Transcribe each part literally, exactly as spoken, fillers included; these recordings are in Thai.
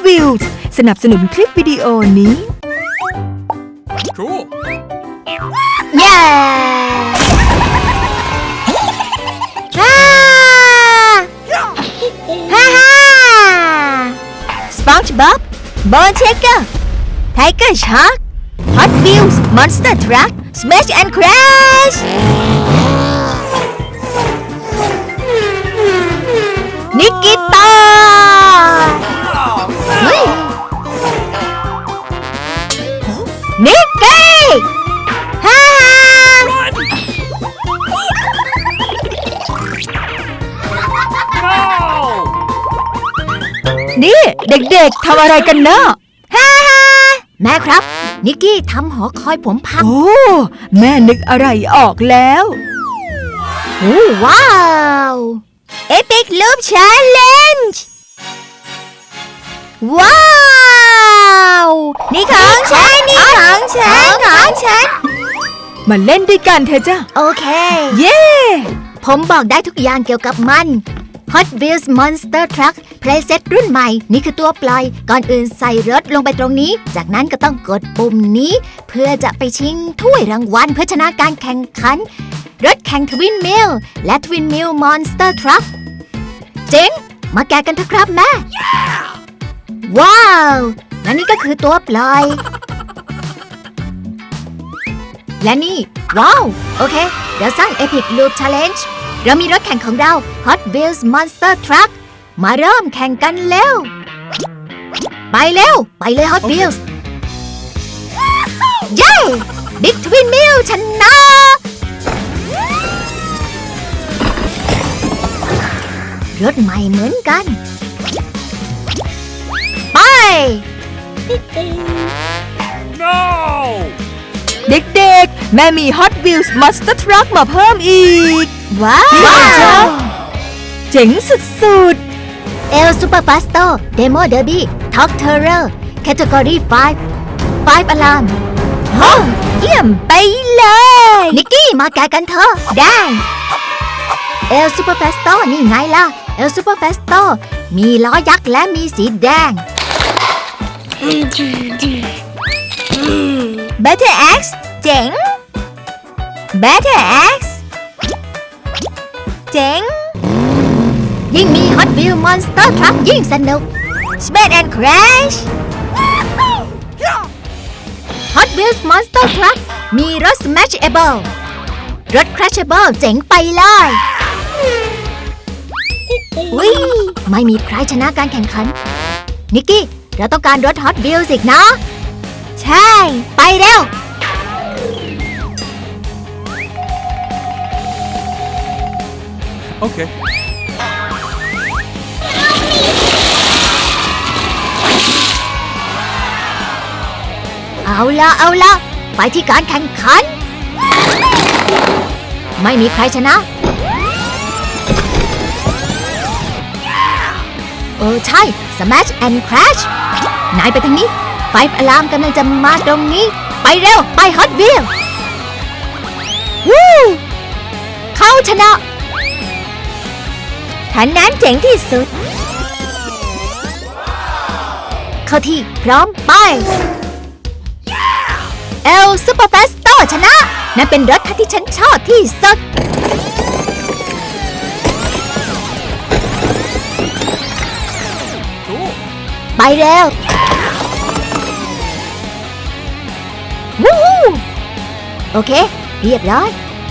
Wheels สนับสนุนคลิปวิดีโอนี้ Cool. Yeah! ฮ่าฮ่าฮ่า SpongeBob Bone Shaker Tiger Shark Hot Wheels Monster Truck Smash and Crash นิกกี้ตาเฮ้ยนิกกี้ฮ่านี่เด็กๆทำอะไรกันนะฮ่าฮ่าแม่ครับนิกกี้ทำหอคอยผมพังโอ้แม่นึกอะไรออกแล้วโอ้ว้าว Epic Loop Challenge ว้าวนี่ของฉันนี่ของฉันของฉันมาเล่นด้วยกันเถอะจ้ะโอเคเย้ผมบอกได้ทุกอย่างเกี่ยวกับมัน Hot Wheels Monster Truck Playset รุ่นใหม่นี่คือตัวปล่อยก่อนอื่นใส่รถลงไปตรงนี้จากนั้นก็ต้องกดปุ่มนี้เพื่อจะไปชิงถ้วยรางวัลเพื่อชนะการแข่งขันรถแข่ง Twin Mill และ Twin Mill Monster Truck เจ๋งมาแกะกันเถอะครับแม่ yeah! ว้าวและนี่ก็คือตัวปล่อยและนี่ว้าวโอเคเดี๋ยวสร้าง Epic Loop Challenge เรามีรถแข่งของเรา Hot Wheels Monster Truck มาเริ่มแข่งกันเร็วไปเร็วไปเลย Hot Wheels เย้ Big Twin Mill ชนะรถใหม่เหมือนกันไป No! เด็กๆแม่มี Hot Wheels Monster Truck มาเพิ่มอีกว้าว้าววเจ๋งสุดๆ El Super Fasto Demo Derby Talk Terror Category ไฟว์ ไฟว์ Alarm โอ้เยี่ยมไปเลยนิกกี้มาแกะกันเถอะได้ El Super Fasto นี่ไงล่ะ El Super Fasto มีล้อยักษ์และมีสีแดง Better X เจ๋ง Better X เจ๋งยิ่งมี Hot Wheels Monster Truck ยิ่งสนุก Smash and Crash Hot Wheels Monster Truck มีรถ Smashable รถ Crashable เจ๋งไปเลยวิไม่มีใครชนะการแข่งขัน นิกกี้ เราต้องการรถ Hot Wheels อีกนะ ใช่ ไปเร็ว Okay. เอาละเอาละไปที่การแข่งขัน ไม่มีใครชนะเออใช่ Smash and Crash นายไปทางนี้ ไฟว์ Alarm กำลังจะมาตรงนี้ไปเร็วไป Hot Wheels วู้เขาชนะคันนั้นเจ๋งที่สุด เข้าที่พร้อมไป El Super Fasto ชนะนั่นเป็นรถคันที่ฉันชอบที่สุด Cool. ไปเร็ว วู้ฮู้โอเค เรียบร้อย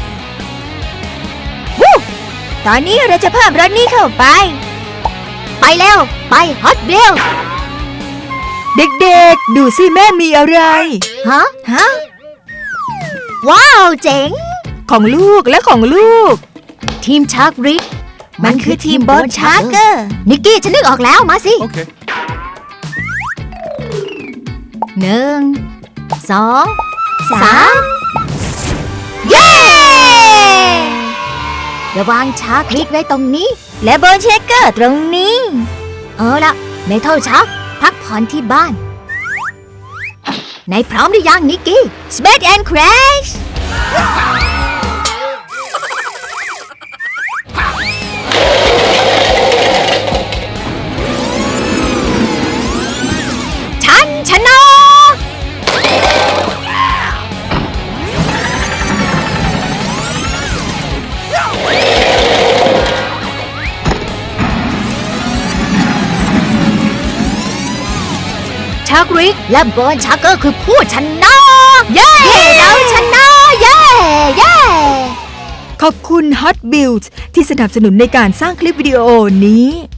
วู้ตอนนี้เราจะเพิ่มรถนี้เข้าไป ไปเร็ว ไป Hot Wheels เด็กๆดูสิแม่มีอะไรฮะ ฮะ ว้าว เจ๋งของลูกและของลูกทีมชาร์กริกมันคือทีม Bone Sharker นิกกี้ฉันนึกออกแล้วมาสิ Okay. หนึ่ง สอง สาม เย้ เดี๋ยววางชาร์กริกไว้ตรงนี้ และโบนเชคเกอร์ตรงนี้ เอาละเมทัลชาร์กพักผ่อนที่บ้านนายพร้อมหรือยังนิกกี้ Smash and Crash ชักริกและเบิร์นชักเกอร์คือผู้ชนะ เย้ เราชนะ เย้ เย้ขอบคุณ Hot Wheels ที่สนับสนุนในการสร้างคลิปวิดีโอนี้